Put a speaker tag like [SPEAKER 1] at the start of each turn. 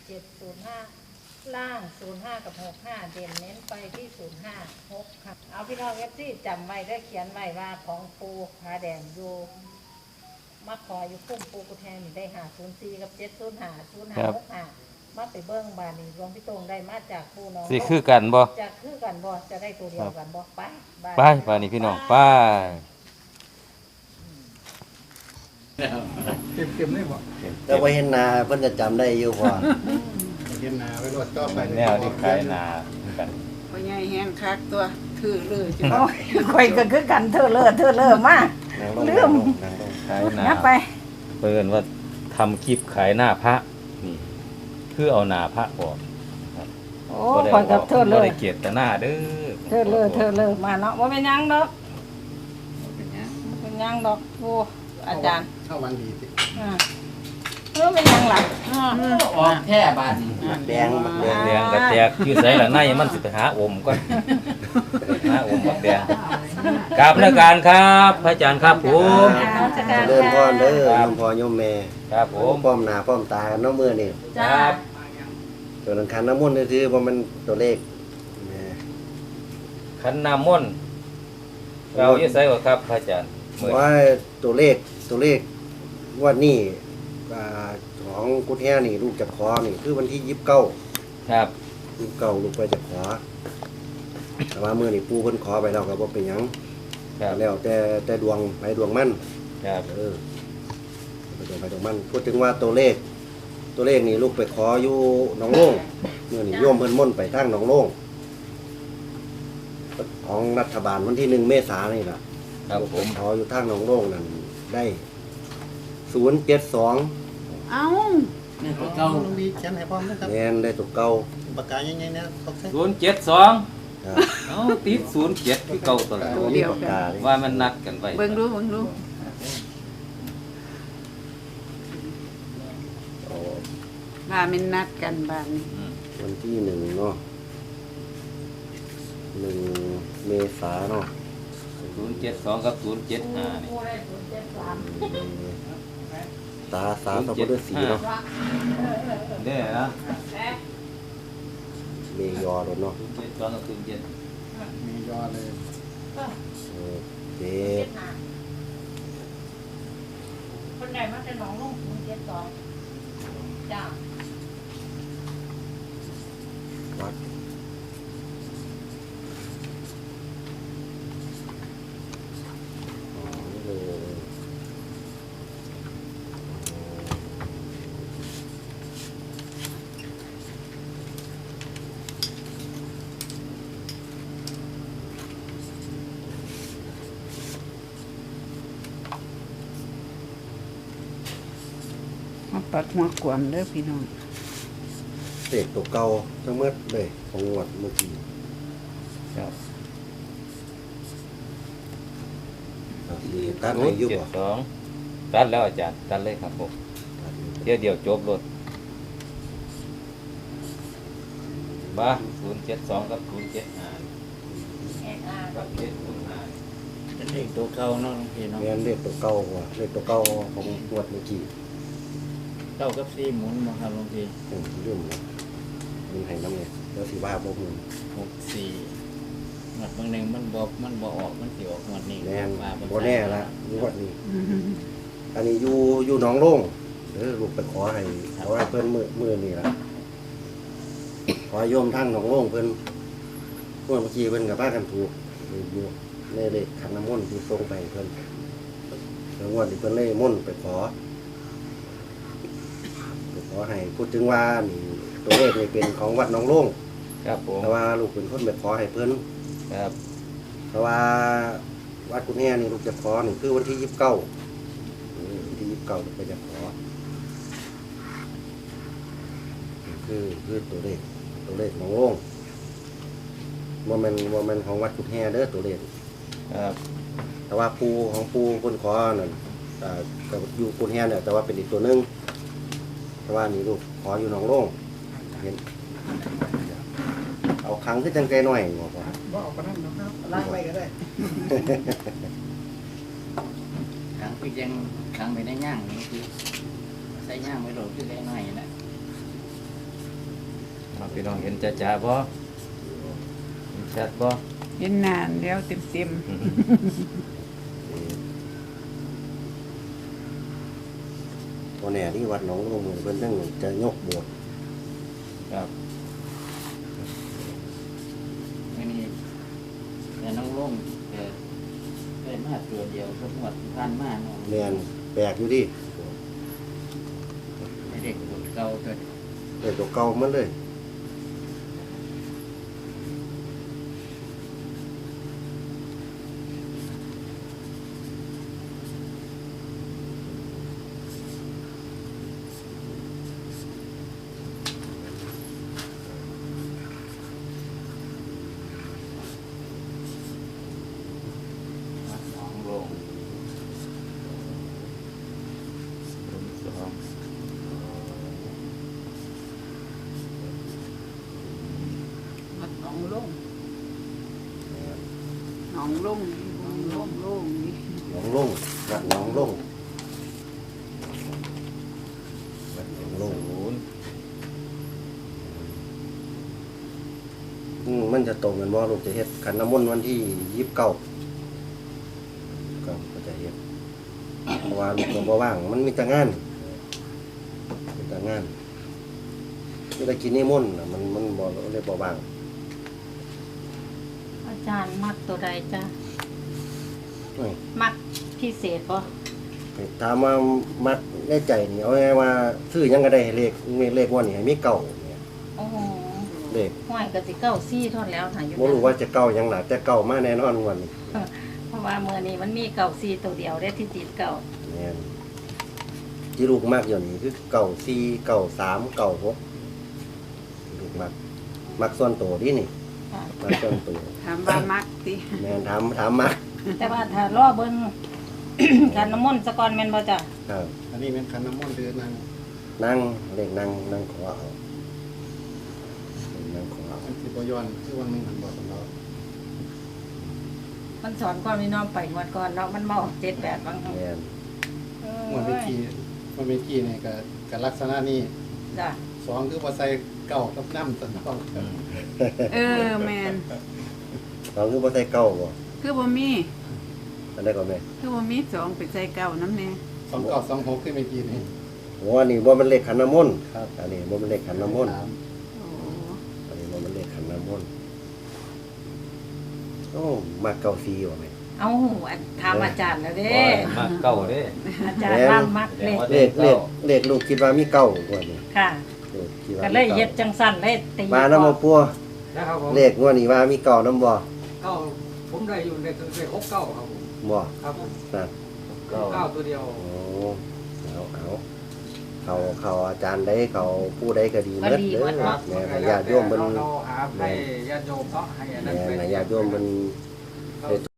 [SPEAKER 1] 705ล่าง05กับ65เด่นเน้นไปที่05 6ค่ะเอาพี่น้องที่จำไว้ได้เขียนไว้ว่าของปูผาแดงอยู่มาขออยู่คุ้มปูกุแทนได้504กับ705 0565มาไปเบิ้งบานนี้รวมพี่ตรงได้มาจากปูน้อง
[SPEAKER 2] สิคือกันบ่
[SPEAKER 1] จะคือกันบ่จะได้ตัวเดียวกันบ่ไป
[SPEAKER 2] บ้านนี้พี่น้องไป
[SPEAKER 3] เต็มเลยบ่
[SPEAKER 4] แต่ว่าเห็นหนาเพิ่นจะจำได้อยู่พอ
[SPEAKER 3] เห็นหนาไว้รถต่อไป
[SPEAKER 2] แนวที่ขายนากัน
[SPEAKER 5] พ่อใหญ่แห้งคักตัวถือเลยจ้ะ
[SPEAKER 1] โอ้ยข่อยก็คือกันเธอเลิศมาลืม
[SPEAKER 2] ขายนา
[SPEAKER 1] นับไป
[SPEAKER 2] เปิ้นว่าทำคลิปขายหน้าพระนี่คือเอาหน้าพระออก
[SPEAKER 1] โอ้ข่อยกับเธอเลิ
[SPEAKER 2] บ่
[SPEAKER 1] ศ
[SPEAKER 2] ได้เกียรติหน้าเด้อ
[SPEAKER 1] เธอเลิศมาเนาะว่าเป็นยังดอกเป็นยังดอกโอ้อาจารย์
[SPEAKER 3] เข้าวันดีสิ
[SPEAKER 1] เป็นยังหลัก
[SPEAKER 6] ออกแค่บาท
[SPEAKER 4] แดงบักแดง
[SPEAKER 2] แดงกระแจกอยู่ไสล่ะในมันสิไปหาอมก่อนหาอมบักแดงกราบนมัสการครับพระอาจารย์ครับผม
[SPEAKER 4] เริ่มพ่อเด้อโยมพ่อโยมแม่
[SPEAKER 2] ครับผม
[SPEAKER 4] ป้อมหน้าป้อมตาเนาะมื้อนี่
[SPEAKER 2] ครับ
[SPEAKER 4] ตัวนั้นคันน้ำมนต์นี่คือบ่มันตัวเลขแหม
[SPEAKER 2] ขันน้ำมนต์เราอยู่ไสบ่ครับพระอาจารย์มื้อ
[SPEAKER 4] ว่าตัวเลขว่านี่ของกุฏแฮนี่ลูกจะขอนี่คือวันที่29
[SPEAKER 2] ครับ
[SPEAKER 4] ลูกไปจะขอแต่ว่ามื้อนี่ปู่เพิ่นขอไปแล้วก็บ่เป็นหยัง
[SPEAKER 2] ครับ
[SPEAKER 4] แล้วแต่ดวงไปดวงมัน
[SPEAKER 2] ครับ
[SPEAKER 4] ไปดวงไปดวงมันพูดถึงว่าตัวเลขนี่ลูกไปขออยู่หนองโล่งเมื่อนี่โยมเพิ่นม่นไปทางหนองโล่งของรัฐบาลวันที่1 เมษายนนี่ล่ะ
[SPEAKER 2] ครับผม
[SPEAKER 4] ขออยู่ทางหนองโล่งนั่นได้072
[SPEAKER 5] เอ้า
[SPEAKER 6] นี่ตัวเก่า
[SPEAKER 3] ต้องดีเขียนให้พร้อมนะครับ
[SPEAKER 4] แม่นได้ตัวเก่า
[SPEAKER 3] ปากกาใหญ่ๆเนี่ยเขาใช้
[SPEAKER 2] 072
[SPEAKER 4] ครับ
[SPEAKER 2] เอ้าติด07คือเก่าตลอด
[SPEAKER 4] บ่มีปากกาเลย
[SPEAKER 2] ว่ามันนัดกันไว้
[SPEAKER 5] เบิ่งดู
[SPEAKER 4] เอา
[SPEAKER 5] ว่ามันนัดกันบ้านนี้
[SPEAKER 2] อืม
[SPEAKER 4] วันที่1เนาะ1 เมษายนเนาะ
[SPEAKER 2] 072กับ075นี่
[SPEAKER 4] ตาสาวสัพพะสีเนาะ
[SPEAKER 2] เด้อนะ
[SPEAKER 4] เมยอรถเนาะ
[SPEAKER 2] 072กับ07
[SPEAKER 3] มียอเลย
[SPEAKER 4] เด
[SPEAKER 1] คนใดมาจะหนองลง072จ้า
[SPEAKER 4] วัดอ๋อนี่เลย
[SPEAKER 5] มาปัดหัวกวมเด้อพี่น้อง
[SPEAKER 4] เด็กตัวเก่าทั้งหมดเลยของงวดเมื่อกี้
[SPEAKER 2] ครับ
[SPEAKER 4] ตัดให้อยู่บ่
[SPEAKER 2] 072ตัดแล้วอาจารย์ตัดเลยครับผมเดี๋ยวจบรถมา072กับ075กับ705
[SPEAKER 6] เป็นเลขตัวเก่าเนาะหลวงพี่เนาะ
[SPEAKER 4] แม่นเด็กตัวเก่าว่ะเด็กตัวเก่าของงวดเมื่อกี้
[SPEAKER 6] เก้ากับสี่หมุนมาครับหลวงพี่
[SPEAKER 4] เรื่องมันให้น้ำเนี่ยแล้วสิว่าบ่มึง
[SPEAKER 6] 64หมดบางหนึ่งมันบ่ออกมันสิออกหมดนี้
[SPEAKER 4] แน่น
[SPEAKER 6] ว่า
[SPEAKER 4] บ่แน่ละงวดนี้อันนี้อยู่หนองโล่งลูกไปขอให้เพิ่นมื้อนี่ล่ะขอโยมทั้งหนองโล่งเพิ่นเมื่อกี้เพิ่นก็พากันถูกอยู่ในเลขขันน้ำมนต์ที่ส่งไปให้เพิ่นแล้วงวดนี้เพิ่นเลยมนต์ไปขอให้พูดถึงว่านี่ตัวเลขนี่เป็นของวัดหนองโล่ง
[SPEAKER 2] ครับผม
[SPEAKER 4] แต่ว่าลูกเป็นคนไปขอให้เพิ่น
[SPEAKER 2] ครับ
[SPEAKER 4] เพราะว่าวัดกุฎแห่นี่ลูกจะขอนี่คือวันที่29วันที่29ลูกก็จะขอคือตัวเลขหนองโล่งว่ามันของวัดกุฎแห่เด้อตัวเลข
[SPEAKER 2] ครับ
[SPEAKER 4] แต่ว่าปูคนขอนั่นก็อยู่กุฎแห่เนี่ยแต่ว่าเป็นอีกตัวหนึงแต่ว่านี่ลูกขออยู่หนองโล่งเห็นเอาครั้งขึ้นจังใจหน่อยหมอพ่อ
[SPEAKER 3] บ่ออกไปนั่นนะครับลากไปก็ได้
[SPEAKER 6] ขังพี่ยังขังไปได้ย่างหลวงพี่ใส่ย่างไว้โหลดคือได้หน่อยนะ
[SPEAKER 2] พี่น้องเห็นจ้าบ่เห็นชัดบ่
[SPEAKER 5] เห็นนานแล้วเต็ม
[SPEAKER 4] ตัวแน่ที่วัดหนองลงเพิ่นตั้งจะยกโบสถ์
[SPEAKER 2] ครับ
[SPEAKER 6] อันนี้แต่น้องลงแต่ได้มาตัวเดียวก็หมดพันมาเนาะ
[SPEAKER 4] แม่นแปลกอยู่ดิ
[SPEAKER 6] ไม่เด็กตัวเก่าตัว
[SPEAKER 4] เด็กตัวเก่ามันเลย
[SPEAKER 6] วัดหนองลง
[SPEAKER 2] สอง
[SPEAKER 5] ๆวัดหนองลงหนองลงหนองลงลงนี่
[SPEAKER 4] หนองลงวัดหนองลงวัดหนองลง
[SPEAKER 2] ศูนย์
[SPEAKER 4] มันจะตรงกันว่าลูกจะเฮ็ดขันน้ำมนต์วันที่29ก็จะเฮ็ดเพราะว่าลูกก็บ่ว่างมันมีแต่งานมีแต่งานมีแต่กินนิมนต์น่ะมันบ่เลยบ่ว่าง
[SPEAKER 1] อาจารย์มักตัวใดจ้ะ
[SPEAKER 4] เอ้ย
[SPEAKER 1] มักพิเศษบ่
[SPEAKER 4] ถามว่ามักในใจนี่เอาไงว่าซื้อหยังก็ได้ให้เลขว่านี่ให้มีเก่าเนี่ย
[SPEAKER 1] โอ้โห
[SPEAKER 4] เลข
[SPEAKER 1] ห้อยก็สิเก้าซี่ทอดแล้วค่ะอยู่
[SPEAKER 4] บ่รู้ว่าจะเก่าหยังหล่ะแต่เก่ามาแน่นอนวันนี้
[SPEAKER 1] เพราะว่ามื้อนี้มันมีเก้าซี่ตัวเดียวได้ที่ติดเก้า
[SPEAKER 4] แม่นที่ลูกมากอยู่นี่คือเก่า4เก่า3เก่า6ลูกมักส่วนตัวดินี่
[SPEAKER 1] ค่ะ
[SPEAKER 4] มักส่วนตัว
[SPEAKER 5] ถามว่ามักติ
[SPEAKER 4] แม่นถามมัก
[SPEAKER 1] แต่ว่าถ้ารอเบิ่ง การน้ำมนต์สะก่อนแม่นบ่จ้ะ
[SPEAKER 4] ครับ
[SPEAKER 3] อันนี้เป็นขันน้ำมนต์เดือนนั่ง
[SPEAKER 4] นั่งเลขนั่งขอเอานั่งขอเอา
[SPEAKER 3] อันที่บย้อนคือวันหนึงหันบอกสำหรับ
[SPEAKER 1] มันสอนก่อนพี่น้องไปงวดก่อนเนาะมันมาออก78บางครั้ง
[SPEAKER 4] แม่น
[SPEAKER 3] วันเมื่อกี้เนี่ยก็ลักษณะนี้
[SPEAKER 1] จ้ะ
[SPEAKER 3] สองคือว่าใส่เก่ากับน้ำสำหรับ
[SPEAKER 5] เออแม่น
[SPEAKER 4] เราคือบ่ใส่เก่าบ่
[SPEAKER 5] คือบ่มี
[SPEAKER 4] อันได้ก็แม่
[SPEAKER 5] คือบ่มีสองไปใส่เก่าน้ำแน่
[SPEAKER 3] 2926คือเมื่อกี้นี่
[SPEAKER 4] โอ้อันนี้บ่มันเลขขันน้ำมนต์
[SPEAKER 3] ครับ
[SPEAKER 4] อันนี้บ่มันเลขขันน้ำมนต์
[SPEAKER 5] โอ้
[SPEAKER 4] อันนี้บ่มันเลขขันน้ำมนต์โอ้มาเก่าซีว่ะแม่
[SPEAKER 1] เอาอันถามอาจารย์แล้วเด้
[SPEAKER 2] โอ้ยมาเก้าเด้
[SPEAKER 1] อาจารย์ว่ามัก
[SPEAKER 2] แสด
[SPEAKER 1] เล
[SPEAKER 2] ง
[SPEAKER 1] ข
[SPEAKER 2] ว่า
[SPEAKER 4] เลขลูกคิดว่ามีเก่ากว่านี่
[SPEAKER 1] ค่ะ
[SPEAKER 4] ลูกคิดว่า
[SPEAKER 1] ก็
[SPEAKER 4] มี
[SPEAKER 1] เลยเฮ็ด
[SPEAKER 4] เก่า
[SPEAKER 1] จังสั่นเลยตี
[SPEAKER 4] มาน้ำบ่ปัว
[SPEAKER 7] นะครับผม
[SPEAKER 4] เลขงวดนี้ว่ามีเก่าน้ำบ่
[SPEAKER 7] เก้าผมได้อยู่ใน6 9ครับผม
[SPEAKER 4] บ่
[SPEAKER 7] ครับผม
[SPEAKER 4] นั่น
[SPEAKER 2] เก้า
[SPEAKER 7] เก้าตัวเดียว
[SPEAKER 4] โอ้เขาอาจารย์ได้เขาผู้ใดก็ดีหมดเด้อแม่ให้ญาติโยมเพิ่น
[SPEAKER 7] เราหาให้ญาติโยมเนาะให้อันนั้น
[SPEAKER 4] แม่
[SPEAKER 7] เป็น
[SPEAKER 4] ให้ญาติโยมเพิ่น
[SPEAKER 7] เรา